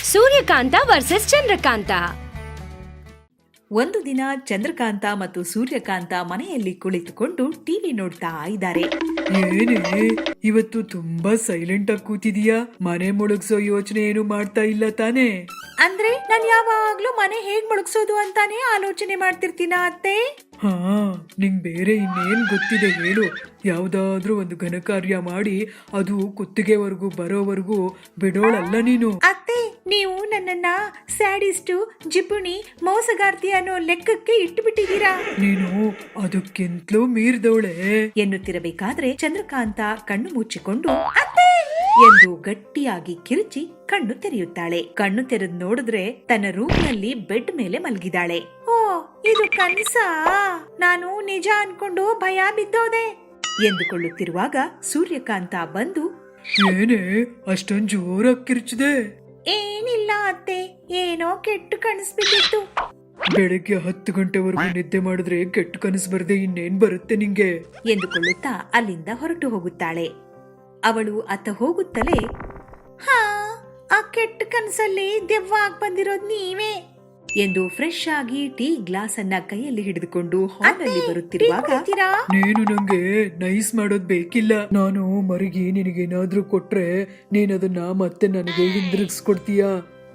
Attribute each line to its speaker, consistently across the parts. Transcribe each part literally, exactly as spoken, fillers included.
Speaker 1: ಸೂರ್ಯಕಾಂತ versus Chandrakanta.
Speaker 2: ಒಂದು ದಿನ ಚಂದ್ರಕಾಂತ ಮತ್ತು ಸೂರ್ಯಕಾಂತ ಮನೆಯಲ್ಲಿ ಕುಳಿತುಕೊಂಡು ಟಿವಿ ನೋಡ್ತಾ ಇದ್ದಾರೆ.
Speaker 3: ಏನೇ ಇವತ್ತು ತುಂಬಾ ಸೈಲೆಂಟ್ ಆಗಿ ಕೂತಿದೀಯಾ? ಮನೆ ಮುಳುಗ್ಸೋ ಯೋಚನೆ ಏನು ಮಾಡ್ತಾ ಇಲ್ಲ ತಾನೇ?
Speaker 2: ಅಂದ್ರೆ ನಾನ್ ಯಾವಾಗ್ಲೂ ಮನೆ ಹೇಗ್ ಮುಳುಗ್ಸೋದು ಅಂತಾನೆ ಆಲೋಚನೆ ಮಾಡ್ತಿರ್ತೀನ ಅತ್ತೆ.
Speaker 3: ಹಾ, ನಿಂಗ್ ಬೇರೆ ಇನ್ನೇನ್ ಗೊತ್ತಿದೆ ಹೇಳು. ಯಾವ್ದಾದ್ರೂ ಒಂದು ಘನಕಾರ್ಯ ಮಾಡಿ ಅದು ಕುತ್ತಿಗೆವರೆಗೂ ಬರೋವರೆಗೂ ಬಿಡೋಳಲ್ಲ ನೀನು.
Speaker 2: ಅತ್ತೆ, ನೀವು ನನ್ನನ್ನ ಸ್ಯಾಡಿಸ್ಟು, ಜಿಪುಣಿ, ಮೋಸಗಾರ್ತಿ ಅನ್ನೋ ಲೆಕ್ಕಕ್ಕೆ ಇಟ್ಟು ಬಿಟ್ಟಿದ್ದೀರಾ.
Speaker 3: ನೀನು ಅದಕ್ಕಿಂತಲೂ ಮೀರ್ದವಳೆ
Speaker 2: ಎನ್ನುತ್ತಿರಬೇಕಾದ್ರೆ ಚಂದ್ರಕಾಂತ ಕಣ್ಣು ಮುಚ್ಚಿಕೊಂಡು ಅತ್ತೆ ಎಂದು ಗಟ್ಟಿಯಾಗಿ ಕಿರುಚಿ ಕಣ್ಣು ತೆರೆಯುತ್ತಾಳೆ. ಕಣ್ಣು ತೆರೆದು ನೋಡಿದ್ರೆ ತನ್ನ ರೂಮ್ನಲ್ಲಿ ಬೆಡ್ ಮೇಲೆ ಮಲಗಿದಾಳೆ. ಓ, ಇದು ಕನಸಾ? ನಾನು ನಿಜ ಅನ್ಕೊಂಡು ಭಯ ಬಿದ್ದೋದೆ ಎಂದುಕೊಳ್ಳುತ್ತಿರುವಾಗ ಸೂರ್ಯಕಾಂತ ಬಂದು,
Speaker 3: ಏನೇ ಅಷ್ಟೊಂದ್ ಜೋರಾಗಿ ಕಿರ್ಚಿದೆ?
Speaker 2: ಏನಿಲ್ಲ ಅತ್ತೆ, ಏನೋ ಕೆಟ್ಟು ಕನಸ್ಬಿಟ್ಟಿತ್ತು.
Speaker 3: ಬೆಳಗ್ಗೆ ಹತ್ತು ಗಂಟೆವರೆಗೂ ನಿದ್ದೆ ಮಾಡಿದ್ರೆ ಕೆಟ್ಟ ಕನಸು ಬರ್ದೆ ಇನ್ನೇನ್ ಬರುತ್ತೆ ನಿಂಗೆ
Speaker 2: ಎಂದುಕೊಳ್ಳುತ್ತಾ ಅಲ್ಲಿಂದ ಹೊರಟು ಹೋಗುತ್ತಾಳೆ. ಅವಳು ಅತ್ತ ಹೋಗುತ್ತಲೇ, ಹಾ, ಆ ಕೆಟ್ಟ ಕನಸಲ್ಲಿ ದೆವ್ವ ಆಗ್ ಬಂದಿರೋದ್ ನೀವೇ ಎಂದು ಫ್ರೆಶ್ ಆಗಿ ಟೀ ಗ್ಲಾಸ್ ಅನ್ನ ಕೈಯಲ್ಲಿ ಹಿಡಿದುಕೊಂಡು ಹಾಲಲ್ಲಿ ಬರುತ್ತಿರುವಾಗ,
Speaker 3: ನೀನು ನಂಗೆ ನೈಸ್ ಮಾಡೋದ್ ಬೇಕಿಲ್ಲ. ನಾನು ಮರಗಿ ನಿನಗೇನಾದ್ರೂ ಕೊಟ್ರೆ ನೀನದನ್ನ ಮತ್ತೆ ನನಗೆ ಹಿಂದಿರುಗಿಸ್ಕೊಡ್ತೀಯಾ?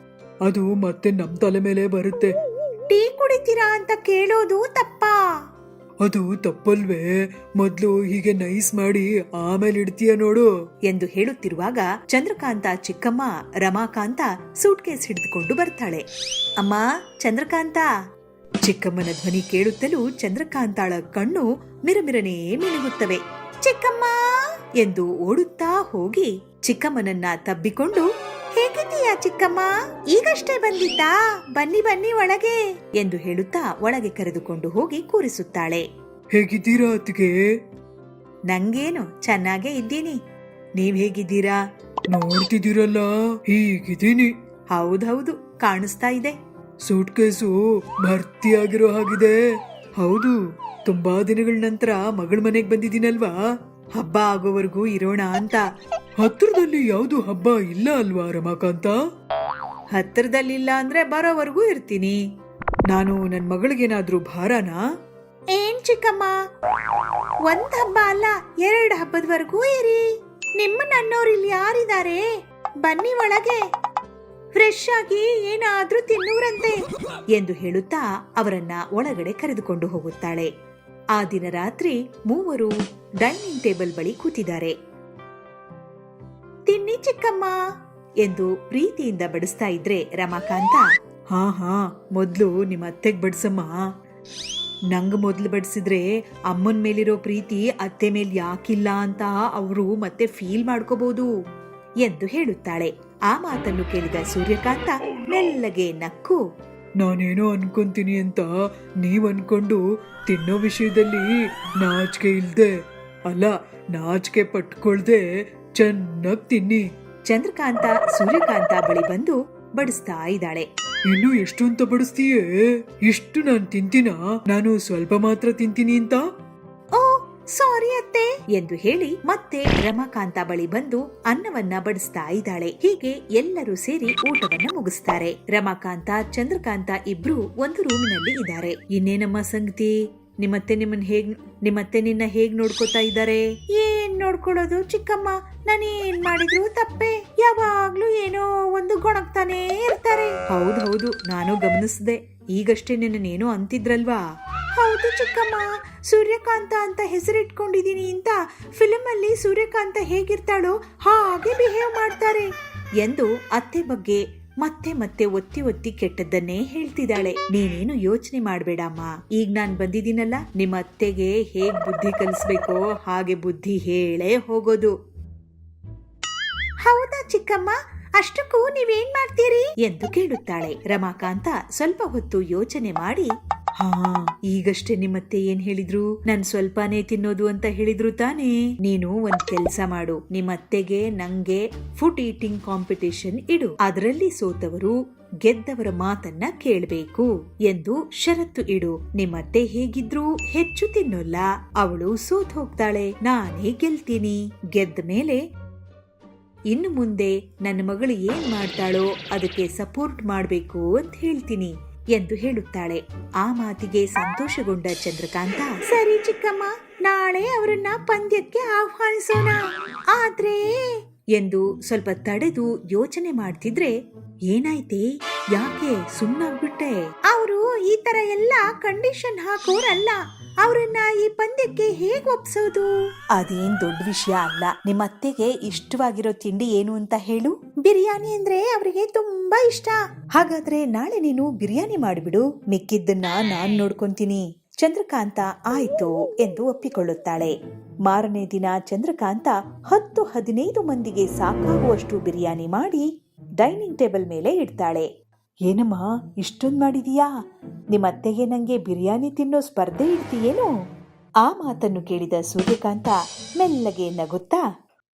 Speaker 3: ಅದು ಮತ್ತೆ ನಮ್ ತಲೆ ಮೇಲೆ ಬರುತ್ತೆ.
Speaker 2: ಟೀ ಕುಡಿತೀರಾ ಅಂತ ಕೇಳೋದು ತಪ್ಪಾ?
Speaker 3: ಅದು ತಪ್ಪಲ್ವೇ? ಮೊದ್ಲು ಹೀಗೆ ನೈಸ್ ಮಾಡಿ ಆಮೇಲೆ ಇಡ್ತೀಯ ನೋಡು
Speaker 2: ಎಂದು ಹೇಳುತ್ತಿರುವಾಗ ಚಂದ್ರಕಾಂತ ಚಿಕ್ಕಮ್ಮ ರಮಾಕಾಂತ ಸೂಟ್ ಕೇಸ್ ಹಿಡಿದುಕೊಂಡು ಬರ್ತಾಳೆ. ಅಮ್ಮ, ಚಂದ್ರಕಾಂತ. ಚಿಕ್ಕಮ್ಮನ ಧ್ವನಿ ಕೇಳುತ್ತಲೂ ಚಂದ್ರಕಾಂತಾಳ ಕಣ್ಣು ಮಿರಮಿರನೇ ಮಿನುಗುತ್ತವೆ. ಚಿಕ್ಕಮ್ಮ ಎಂದು ಓಡುತ್ತಾ ಹೋಗಿ ಚಿಕ್ಕಮ್ಮನನ್ನ ತಬ್ಬಿಕೊಂಡು, ಹೇಗಿದ್ದೀಯಾ ಚಿಕ್ಕಮ್ಮ? ಈಗಷ್ಟೇ ಬಂದಿದ್ದಾ? ಬನ್ನಿ ಬನ್ನಿ ಒಳಗೆ ಎಂದು ಹೇಳುತ್ತಾ ಒಳಗೆ ಕರೆದುಕೊಂಡು ಹೋಗಿ ಕೂರಿಸುತ್ತಾಳೆ.
Speaker 3: ಹೇಗಿದ್ದೀರಾ ಅತ್ತಿಗೆ?
Speaker 2: ನಂಗೇನು, ಚೆನ್ನಾಗೇ ಇದ್ದೀನಿ. ನೀವ್ ಹೇಗಿದ್ದೀರಾ?
Speaker 3: ನೋಡ್ತಿದ್ದೀರಲ್ಲ, ಹೀಗಿದ್ದೀನಿ.
Speaker 2: ಹೌದೌದು, ಕಾಣಿಸ್ತಾ ಇದೆ.
Speaker 3: ಸೂಟ್ ಕೇಸು ಭರ್ತಿಯಾಗಿರೋ ಹಾಗಿದೆ. ಹೌದು, ತುಂಬಾ ದಿನಗಳ ನಂತರ ಮಗಳ ಮನೆಗ್ ಬಂದಿದ್ದೀನಲ್ವಾ?
Speaker 2: ಹಬ್ಬ ಆಗೋವರೆಗೂ ಇರೋಣ ಅಂತ.
Speaker 3: ಹತ್ರದಲ್ಲಿ ಯಾವ್ದು ಹಬ್ಬ ಇಲ್ಲ ಅಲ್ವಾ ರಮಾಕಾಂತ?
Speaker 2: ಹತ್ತಿರದಲ್ಲಿಲ್ಲ ಅಂದ್ರೆ ಬರೋವರೆಗೂ ಇರ್ತೀನಿ.
Speaker 3: ನಾನು ನನ್ ಮಗಳಿಗೇನಾದ್ರೂ ಭಾರನಾ?
Speaker 2: ಏನ್ ಚಿಕ್ಕಮ್ಮ, ಒಂದ್ ಹಬ್ಬ ಅಲ್ಲ, ಎರಡ್ ಹಬ್ಬದವರೆಗೂ ಇರಿ. ನಿಮ್ಮ ನನ್ನೋರು ಇಲ್ಲಿ ಯಾರಿದ್ದಾರೆ? ಬನ್ನಿ ಒಳಗೆ, ಫ್ರೆಶ್ ಆಗಿ ಏನಾದ್ರೂ ತಿನ್ನೂರಂತೆ ಎಂದು ಹೇಳುತ್ತಾ ಅವರನ್ನ ಒಳಗಡೆ ಕರೆದುಕೊಂಡು ಹೋಗುತ್ತಾಳೆ. ಆ ದಿನ ರಾತ್ರಿ ಮೂವರು ಡೈನಿಂಗ್ ಟೇಬಲ್ ಬಳಿ ಕೂತಿದ್ದಾರೆ. ತಿನ್ನಿ ಚಿಕ್ಕಮ್ಮ ಎಂದು ಪ್ರೀತಿಯಿಂದ ಬಡಿಸ್ತಾ ಇದ್ರೆ ರಮಾಕಾಂತ,
Speaker 3: ಹಾ ಹಾ ಮೊದ್ಲು ನಿಮ್ಮ ಅತ್ತೆಗ್ ಬಡ್ಸಮ್ಮ.
Speaker 2: ನಂಗ್ ಮೊದ್ಲು ಬಡಿಸಿದ್ರೆ ಅಮ್ಮನ್ ಮೇಲಿರೋ ಪ್ರೀತಿ ಅತ್ತೆ ಮೇಲ್ ಯಾಕಿಲ್ಲ ಅಂತ ಅವರು ಮತ್ತೆ ಫೀಲ್ ಮಾಡ್ಕೋಬಹುದು ಎಂದು ಹೇಳುತ್ತಾಳೆ. ಆ ಮಾತನ್ನು ಕೇಳಿದ ಸೂರ್ಯಕಾಂತ ಮೆಲ್ಲಗೆ ನಕ್ಕು,
Speaker 3: ನಾನೇನೋ ಅನ್ಕೊಂತೀನಿ ಅಂತ ನೀವ್ ಅನ್ಕೊಂಡು ತಿನ್ನೋ ವಿಷಯದಲ್ಲಿ ನಾಚಿಕೆ ಇಲ್ದೆ, ಅಲ್ಲ ನಾಚಿಕೆ ಪಟ್ಕೊಳ್ದೆ ಚೆನ್ನಾಗ್ ತಿನ್ನಿ.
Speaker 2: ಚಂದ್ರಕಾಂತ ಸೂರ್ಯಕಾಂತ ಬಳಿ ಬಂದು ಬಡಿಸ್ತಾ ಇದ್ದಾಳೆ.
Speaker 3: ಇನ್ನು ಎಷ್ಟು ಅಂತ ಬಡಿಸ್ತೀಯೇ? ಇಷ್ಟು ನಾನ್ ತಿಂತೀನ? ನಾನು ಸ್ವಲ್ಪ ಮಾತ್ರ ತಿಂತೀನಿ ಅಂತ.
Speaker 2: ಓ ಸಾರಿ ಅತ್ತೆ ಎಂದು ಹೇಳಿ ಮತ್ತೆ ರಮಾಕಾಂತ ಬಳಿ ಬಂದು ಅನ್ನವನ್ನ ಬಡಿಸ್ತಾ ಇದ್ದಾಳೆ. ಹೀಗೆ ಎಲ್ಲರೂ ಸೇರಿ ಊಟವನ್ನ ಮುಗಿಸ್ತಾರೆ. ರಮಾಕಾಂತ ಚಂದ್ರಕಾಂತ ಇಬ್ರು ಒಂದು ರೂಮಿನಲ್ಲಿ ಇದ್ದಾರೆ. ಇನ್ನೇನಮ್ಮ ಸಂಗತಿ? ನಿಮ್ಮತ್ತೆ ನಿಮ್ಮನ್ ಹೇಗ್ ನಿಮ್ಮತ್ತೆ ನಿನ್ನ ಹೇಗ್ ನೋಡ್ಕೋತಾ ಇದ್ದಾರೆ? ಏನ್ ನೋಡ್ಕೊಳ್ಳೋದು ಚಿಕ್ಕಮ್ಮ, ನಾನೇನ್ ಮಾಡಿದ್ರು ತಪ್ಪೆ. ಯಾವಾಗ್ಲೂ ಏನೋ ಒಂದು ಗೊಣಗ್ತಾನೆ ಇರ್ತಾರೆ. ಹೌದೌದು, ನಾನು ಗಮನಿಸಿದೆ. ಈಗಷ್ಟೇ ನಿನ್ನೇನೋ ಅಂತಿದ್ರಲ್ವಾ? ಹೌದು ಚಿಕ್ಕಮ್ಮ, ಸೂರ್ಯಕಾಂತ ಅಂತ ಹೆಸರಿಟ್ಕೊಂಡಿದೀನಿ ಅಂತ ಫಿಲ್ಮ್ ಅಲ್ಲಿ ಸೂರ್ಯಕಾಂತ ಹೇಗಿರ್ತಾಳೋ ಹಾಗೆ ಬಿಹೇವ್ ಮಾಡ್ತಾರೆ ಎಂದು ಅತ್ತೆ ಬಗ್ಗೆ ಮತ್ತೆ ಮತ್ತೆ ಒತ್ತಿ ಒತ್ತಿ ಕೆಟ್ಟದ್ದನ್ನೇ ಹೇಳ್ತಿದ್ದಾಳೆ. ನೀನೇನು ಯೋಚನೆ ಮಾಡ್ಬೇಡಮ್ಮ, ಈಗ ನಾನ್ ಬಂದಿದ್ದೀನಲ್ಲ, ನಿಮ್ಮ ಅತ್ತೆಗೆ ಹೇಗ್ ಬುದ್ಧಿ ಕಲಿಸ್ಬೇಕೋ ಹಾಗೆ ಬುದ್ಧಿ ಹೇಳೇ ಹೋಗೋದು. ಹೌದಾ ಚಿಕ್ಕಮ್ಮ, ಅಷ್ಟಕ್ಕೂ ನೀವೇನ್ ಮಾಡ್ತೀರಿ ಎಂದು ಕೇಳುತ್ತಾಳೆ. ರಮಾಕಾಂತ ಸ್ವಲ್ಪ ಹೊತ್ತು ಯೋಚನೆ ಮಾಡಿ, ಹಾ, ಈಗಷ್ಟೇ ನಿಮ್ಮತ್ತೆ ಏನ್ ಹೇಳಿದ್ರು? ನನ್ ಸ್ವಲ್ಪನೇ ತಿನ್ನೋದು ಅಂತ ಹೇಳಿದ್ರು ತಾನೇ? ನೀನು ಒಂದ್ ಕೆಲ್ಸ ಮಾಡು, ನಿಮ್ಮತ್ತೆಗೆ ನಂಗೆ ಫುಡ್ ಈಟಿಂಗ್ ಕಾಂಪಿಟೇಷನ್ ಇಡು. ಅದರಲ್ಲಿ ಸೋತವರು ಗೆದ್ದವರ ಮಾತನ್ನ ಕೇಳಬೇಕು ಎಂದು ಷರತ್ತು ಇಡು. ನಿಮ್ಮತ್ತೆ ಹೇಗಿದ್ರು ಹೆಚ್ಚು ತಿನ್ನೋಲ್ಲ, ಅವಳು ಸೋತ್ ಹೋಗ್ತಾಳೆ, ನಾನೇ ಗೆಲ್ತೀನಿ. ಗೆದ್ದ ಮೇಲೆ ಇನ್ನು ಮುಂದೆ ನನ್ನ ಮಗಳು ಏನ್ ಮಾಡ್ತಾಳೋ ಅದಕ್ಕೆ ಸಪೋರ್ಟ್ ಮಾಡ್ಬೇಕು ಅಂತ ಹೇಳ್ತೀನಿ ಎಂದು ಹೇಳುತ್ತಾಳೆ. ಆ ಮಾತಿಗೆ ಸಂತೋಷಗೊಂಡ ಚಂದ್ರಕಾಂತ, ಸರಿ ಚಿಕ್ಕಮ್ಮ, ನಾಳೆ ಅವರನ್ನ ಪಂದ್ಯಕ್ಕೆ ಆಹ್ವಾನಿಸೋಣ. ಆದ್ರೆ ಎಂದು ಸ್ವಲ್ಪ ತಡೆದು ಯೋಚನೆ ಮಾಡ್ತಿದ್ರೆ, ಏನಾಯ್ತೆ, ಯಾಕೆ ಸುಮ್ಮನಾಗ್ಬಿಟ್ಟೆ? ಅವರು ಈ ತರ ಎಲ್ಲ ಕಂಡೀಷನ್ ಹಾಕೋರಲ್ಲ, ಅವರನ್ನ ಈ ಪಂದ್ಯಕ್ಕೆ ಹೇಗ್ ಒಪ್ಸೋದು? ಅದೇನ್ ದೊಡ್ಡ ವಿಷಯ ಅಲ್ಲ. ನಿಮ್ಮ ಅತ್ತೆಗೆ ಇಷ್ಟವಾಗಿರೋ ತಿಂಡಿ ಏನು ಅಂತ ಹೇಳು. ಬಿರಿಯಾನಿ ಅಂದ್ರೆ ಅವರಿಗೆ ತುಂಬಾ ಇಷ್ಟ. ಹಾಗಾದ್ರೆ ನಾಳೆ ನೀನು ಬಿರಿಯಾನಿ ಮಾಡಿಬಿಡು, ಮಿಕ್ಕಿದ್ದನ್ನ ನಾನ್ ನೋಡ್ಕೊಂತೀನಿ. ಚಂದ್ರಕಾಂತ ಆಯ್ತು ಎಂದು ಒಪ್ಪಿಕೊಳ್ಳುತ್ತಾಳೆ. ಮಾರನೇ ದಿನ ಚಂದ್ರಕಾಂತ ಹತ್ತು ಹದಿನೈದು ಮಂದಿಗೆ ಸಾಕಾಗುವಷ್ಟು ಬಿರಿಯಾನಿ ಮಾಡಿ ಡೈನಿಂಗ್ ಟೇಬಲ್ ಮೇಲೆ ಇಡ್ತಾಳೆ. ಏನಮ್ಮ ಇಷ್ಟೊಂದು ಮಾಡಿದೀಯಾ? ನಿಮ್ಮತ್ತೆಗೆ ನಂಗೆ ಬಿರಿಯಾನಿ ತಿನ್ನೋ ಸ್ಪರ್ಧೆ ಇಡ್ತೀಯೇನು? ಆ ಮಾತನ್ನು ಕೇಳಿದ ಸೂರ್ಯಕಾಂತ ಮೆಲ್ಲಗೆ ನಗುತ್ತಾ,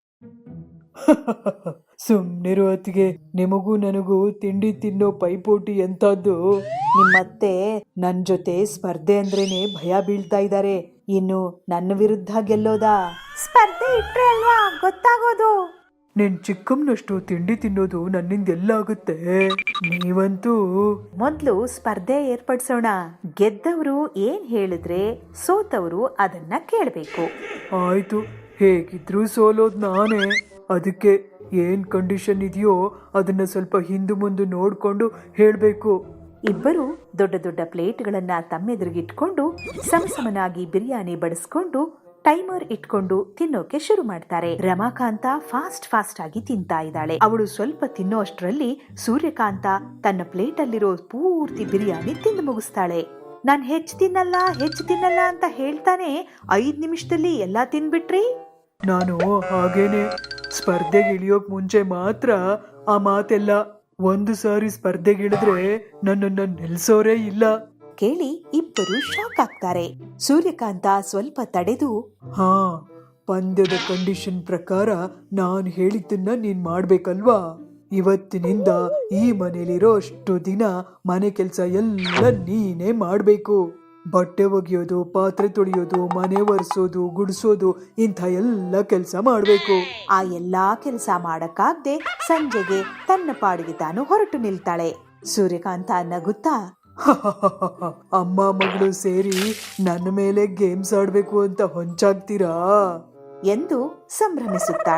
Speaker 3: ಸುಮ್ನಿರು ಅತ್ತಿಗೆ, ನಿಮಗೂ ನನಗೂ ತಿಂಡಿ ತಿನ್ನೋ ಪೈಪೋಟಿ ಎಂತದ್ದು.
Speaker 2: ನಿಮ್ಮತ್ತೆ ನನ್ ಜೊತೆ ಸ್ಪರ್ಧೆ ಅಂದ್ರೇನೆ ಭಯ ಬೀಳ್ತಾ ಇದ್ದಾರೆ. ಇನ್ನು ನನ್ನ ವಿರುದ್ಧ ಗೆಲ್ಲೋದಾ? ಸ್ಪರ್ಧೆ ಇಟ್ರೆ ಅಲ್ವಾ ಗೊತ್ತಾಗೋದು.
Speaker 3: ನಿನ್ ಚಿಕ್ಕಮ್ಮನಷ್ಟು ತಿಂಡಿ ತಿನ್ನೋದು ನನ್ನಿಂದ ಎಲ್ಲ ಆಗುತ್ತೆ. ನೀವಂತೂ
Speaker 2: ಮೊದ್ಲು ಸ್ಪರ್ಧೆ ಏರ್ಪಡಿಸೋಣ. ಗೆದ್ದವರು ಏನ್ ಹೇಳಿದ್ರೆ ಸೋತವರು ಅದನ್ನ ಕೇಳ್ಬೇಕು.
Speaker 3: ಆಯ್ತು, ಹೇಗಿದ್ರು ಸೋಲೋದ್ ನಾನೇ. ಅದಕ್ಕೆ ಏನ್ ಕಂಡೀಷನ್ ಇದೆಯೋ ಅದನ್ನ ಸ್ವಲ್ಪ ಹಿಂದು ಮುಂದೆ ನೋಡ್ಕೊಂಡು ಹೇಳ್ಬೇಕು.
Speaker 2: ಇಬ್ಬರು ದೊಡ್ಡ ದೊಡ್ಡ ಪ್ಲೇಟ್ಗಳನ್ನ ತಮ್ಮೆದುರಿಗಿಟ್ಕೊಂಡು ಸಮಸಮನಾಗಿ ಬಿರಿಯಾನಿ ಬಡಿಸ್ಕೊಂಡು ಟೈಮರ್ ಇಟ್ಕೊಂಡು ತಿನ್ನೋಕೆ ಶುರು ಮಾಡ್ತಾರೆ. ರಮಾಕಾಂತ ಫಾಸ್ಟ್ ಫಾಸ್ಟ್ ಆಗಿ ತಿಂತಾ ಇದ್ದಾಳೆ. ಅವಳು ಸ್ವಲ್ಪ ತಿನ್ನೋ ಅಷ್ಟರಲ್ಲಿ ಸೂರ್ಯಕಾಂತ ತನ್ನ ಪ್ಲೇಟ್ ಅಲ್ಲಿರೋ ಪೂರ್ತಿ ಬಿರಿಯಾನಿ ತಿಂದು ಮುಗಿಸ್ತಾಳೆ. ನಾನ್ ಹೆಚ್ಚು ತಿನ್ನಲ್ಲ ಹೆಚ್ಚು ತಿನ್ನಲ್ಲ ಅಂತ ಹೇಳ್ತಾನೆ ಐದ್ ನಿಮಿಷದಲ್ಲಿ ಎಲ್ಲಾ ತಿನ್ಬಿಟ್ರಿ.
Speaker 3: ನಾನು ಹಾಗೇನೆ, ಸ್ಪರ್ಧೆಗೆ ಇಳಿಯೋಕ್ ಮುಂಚೆ ಮಾತ್ರ ಆ ಮಾತೆಲ್ಲ. ಒಂದು ಸಾರಿ ಸ್ಪರ್ಧೆಗಿಳಿದ್ರೆ ನನ್ನನ್ನ ನಿಲ್ಸೋರೇ ಇಲ್ಲ.
Speaker 2: ಕೇಳಿ ಇಬ್ಬರು ಶಾಕ್ ಆಗ್ತಾರೆ. ಸೂರ್ಯಕಾಂತ ಸ್ವಲ್ಪ ತಡೆದು,
Speaker 3: ಹಾ, ಪಂದ್ಯದ ಕಂಡೀಷನ್ ಪ್ರಕಾರ ನಾನ್ ಹೇಳಿದ್ದನ್ನ ನೀನ್ ಮಾಡ್ಬೇಕಲ್ವಾ? ಇವತ್ತಿನಿಂದ ಈ ಮನೇಲಿರೋ ಅಷ್ಟು ದಿನ ಮನೆ ಕೆಲ್ಸ ಎಲ್ಲ ನೀನೇ ಮಾಡ್ಬೇಕು. ಬಟ್ಟೆ ಒಗೆಯೋದು, ಪಾತ್ರೆ ತೊಳೆಯೋದು, ಮನೆ ಒರೆಸೋದು, ಗುಡಿಸೋದು, ಇಂಥ ಎಲ್ಲ ಕೆಲಸ ಮಾಡ್ಬೇಕು.
Speaker 2: ಆ ಎಲ್ಲಾ ಕೆಲಸ ಮಾಡಕ್ಕಾಗ್ದೆ ಸಂಜೆಗೆ ತನ್ನ ಪಾಡಿಗೆ ತಾನು ಹೊರಟು ನಿಲ್ತಾಳೆ. ಸೂರ್ಯಕಾಂತ ನಗುತ್ತಾ,
Speaker 3: ಅಮ್ಮ ಮಗಳು ಸೇರಿ ನನ್ನ ಮೇಲೆ ಗೇಮ್ಸ್ ಆಡ್ಬೇಕು ಅಂತ ಹೊಂಚಾಗ್ತೀರಾ
Speaker 2: ಎಂದು ಸಂಭ್ರಮಿಸುತ್ತಾಳೆ.